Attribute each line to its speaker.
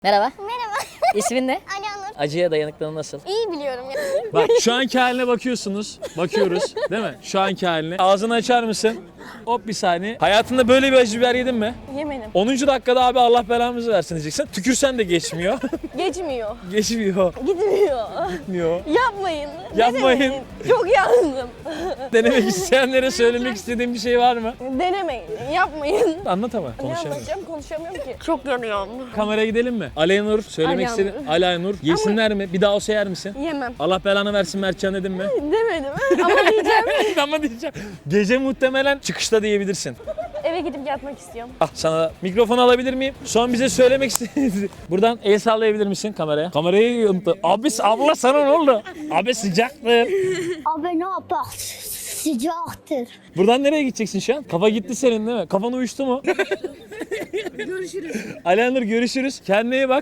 Speaker 1: Merhaba.
Speaker 2: Merhaba.
Speaker 1: İsmin ne?
Speaker 2: Alanur.
Speaker 1: Acıya dayanıklılığın nasıl?
Speaker 2: İyi biliyorum ya.
Speaker 3: Bak şu anki haline bakıyorsunuz. Bakıyoruz değil mi? Şu anki haline. Ağzını açar mısın? Hop bir saniye. Hayatında böyle bir acı biber yedin mi?
Speaker 4: Yemedim.
Speaker 3: 10. dakikada abi Allah belamızı versin diyeceksin. Tükürsen de geçmiyor.
Speaker 4: Geçmiyor.
Speaker 3: Geçmiyor.
Speaker 4: Gitmiyor.
Speaker 3: Gitmiyor.
Speaker 4: Yapmayın.
Speaker 3: Yapmayın.
Speaker 4: Denemeyin. Çok yandım.
Speaker 3: Denemek isteyenlere söylemek istediğim bir şey var mı?
Speaker 4: Denemeyin. Yapmayın.
Speaker 3: Anlat ama.
Speaker 4: Ne
Speaker 3: Konuşalım.
Speaker 4: anlatacağım? Konuşamıyorum ki. Çok yanıyorum.
Speaker 3: Kameraya gidelim mi? Alanur söylemek
Speaker 4: Alanur.
Speaker 3: istediğin. Alanur. Yesinler mi? Bir daha olsa yer misin?
Speaker 4: Yemem.
Speaker 3: Allah belanı versin Mertcan dedim mi?
Speaker 4: Demedim ama diyeceğim.
Speaker 3: Ama diyeceğim. Gece muhtemelen çıkışta diyebilirsin.
Speaker 4: Eve gidip yatmak istiyorum.
Speaker 3: Ah sana mikrofonu alabilir miyim? Son bize söylemek istediğiniz. Buradan el sallayabilir misin kameraya? Kamerayı yumdu. Abi abla sana ne oldu? Abi sıcaktır.
Speaker 2: Abi ne yapar? Sıcaktır.
Speaker 3: Buradan nereye gideceksin şu an? Kafa gitti senin değil mi? Kafan uyuştu mu? Görüşürüz. Alanur görüşürüz. Kendine iyi bak.